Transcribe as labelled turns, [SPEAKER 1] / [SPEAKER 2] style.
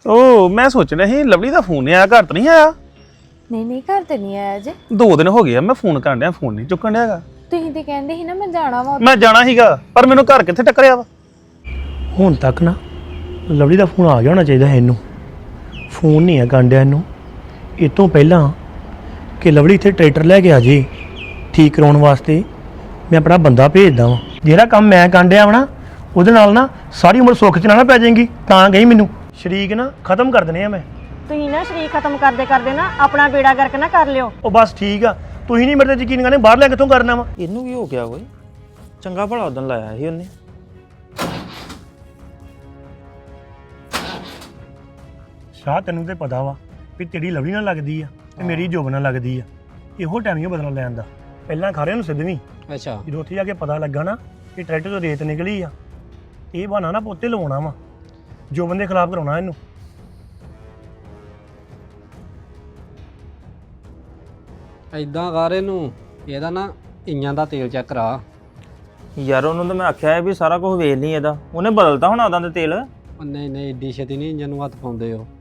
[SPEAKER 1] ਉਹ ਮੈਂ ਸੋਚ ਰਿਹਾ ਸੀ ਲਵਲੀ ਦਾ ਫੋਨ ਨਹੀਂ ਆਇਆ, ਘਰ ਤਾਂ ਨਹੀਂ ਆਇਆ।
[SPEAKER 2] ਨਹੀਂ ਘਰ ਤੇ ਨਹੀਂ ਆਇਆ ਜੇ।
[SPEAKER 1] 2 ਦਿਨ ਹੋ ਗਏ ਆ ਮੈਂ ਫੋਨ ਕਰਨ ਡਿਆ, ਫੋਨ ਨਹੀਂ ਚੁੱਕਣ ਡਿਆਗਾ।
[SPEAKER 2] ਤੁਸੀਂ ਤੇ ਕਹਿੰਦੇ ਸੀ ਨਾ ਮੈਂ ਜਾਣਾ ਵਾ।
[SPEAKER 1] ਮੈਂ ਜਾਣਾ ਸੀਗਾ ਪਰ ਮੈਨੂੰ ਘਰ ਕਿੱਥੇ ਟੱਕਰਿਆ ਵਾ।
[SPEAKER 3] ਹੁਣ ਤੱਕ ਨਾ ਲਵਲੀ ਦਾ ਫੋਨ ਆ ਗਿਆ ਹੋਣਾ ਚਾਹੀਦਾ ਹੈ ਇਹਨੂੰ। ਫੋਨ ਨਹੀਂ ਆ ਕਾਂਡਿਆ ਇਹਨੂੰ। ਇਹ ਤੋਂ ਪਹਿਲਾਂ ਕਿ ਲਵਲੀ ਇੱਥੇ ਟਰੈਕਟਰ ਲੈ ਕੇ ਆ ਜੇ ਠੀਕ ਕਰਾਉਣ ਵਾਸਤੇ, ਮੈਂ ਆਪਣਾ ਬੰਦਾ ਭੇਜਦਾ ਵਾਂ। ਜਿਹੜਾ ਕੰਮ ਮੈਂ ਕਾਂਡਿਆ ਵਾ ਨਾ ਉਹਦੇ ਨਾਲ ਨਾ ਸਾਰੀ ਉਮਰ ਸੁੱਖ ਚ ਨਾ ਪੈ ਜਾਏਗੀ। ਤਾਂ ਗਈ ਮੈਨੂੰ ਸ਼ਰੀਕ ਨਾ ਖਤਮ ਕਰ ਦੇਣੇ ਆ ਮੈਂ।
[SPEAKER 4] ਤੁਸੀਂ ਨਾ ਸ਼ਰੀਕ ਖਤਮ ਕਰਦੇ ਨਾ ਆਪਣਾ ਬੇੜਾ ਗਰਕ ਨਾ ਕਰ ਲਿਓ।
[SPEAKER 3] ਉਹ ਬਸ ਠੀਕ ਆ, ਤੁਸੀਂ ਨਹੀਂ ਮੇਰੇ ਤੇ ਯਕੀਨ ਕਰਨੇ, ਬਾਹਰ ਲੈ ਕਿੱਥੋਂ ਕਰਨਾ ਵਾ।
[SPEAKER 5] ਇਹਨੂੰ ਕੀ ਹੋ ਗਿਆ ਓਏ? ਚੰਗਾ ਭਲਾ ਉਦੋਂ ਲਾਇਆ ਸੀ ਉਹਨੇ।
[SPEAKER 3] ਸ਼ਾਹ ਤੈਨੂੰ ਤੇ ਪਤਾ ਵਾ ਵੀ ਤੇਰੀ ਲਵਲੀ ਨਾਲ ਲੱਗਦੀ ਆ ਤੇ ਮੇਰੀ ਜੋਬ ਨਾਲ ਲੱਗਦੀ ਆ। ਇਹੋ ਟਾਈਮ ਹੀ ਬਦਲਾ ਲੈਣ ਦਾ। ਪਹਿਲਾਂ ਖਾਰਿਆਂ ਨੂੰ ਸਿੱਧਵੀਂ,
[SPEAKER 5] ਅੱਛਾ
[SPEAKER 3] ਜਦੋਂ ਉੱਥੇ ਜਾ ਕੇ ਪਤਾ ਲੱਗਾ ਨਾ ਕਿ ਟਰੈਕਟਰ ਤੋਂ ਰੇਤ ਨਿਕਲੀ ਆ, ਇਹ ਬਹਾਨਾ ਨਾ ਪੋਤੇ ਲਵਾਉਣਾ ਵਾ, ਜੋ ਬੰਦੇ ਖਿਲਾਫ ਕਰਾਉਣਾ ਇਹਨੂੰ।
[SPEAKER 6] ਐਦਾਂ ਕਰ ਇਹਨੂੰ, ਇਹਦਾ ਨਾ ਇੰਜਾਂ ਦਾ ਤੇਲ ਚੈੱਕ ਕਰਾ।
[SPEAKER 5] ਯਾਰ ਉਹਨੂੰ ਤਾਂ ਮੈਂ ਆਖਿਆ ਵੀ ਸਾਰਾ ਕੁਝ ਵੇਖ ਲਈ ਇਹਦਾ, ਉਹਨੇ ਬਦਲਤਾ ਹੋਣਾ ਉਹਦਾ ਤੇ ਤੇਲ।
[SPEAKER 6] ਉਹ ਨਹੀਂ ਏਡੀ ਛੇਤੀ ਨਹੀਂ ਇੰਜਨ ਨੂੰ ਹੱਥ ਪਾਉਂਦੇ ਹੋ।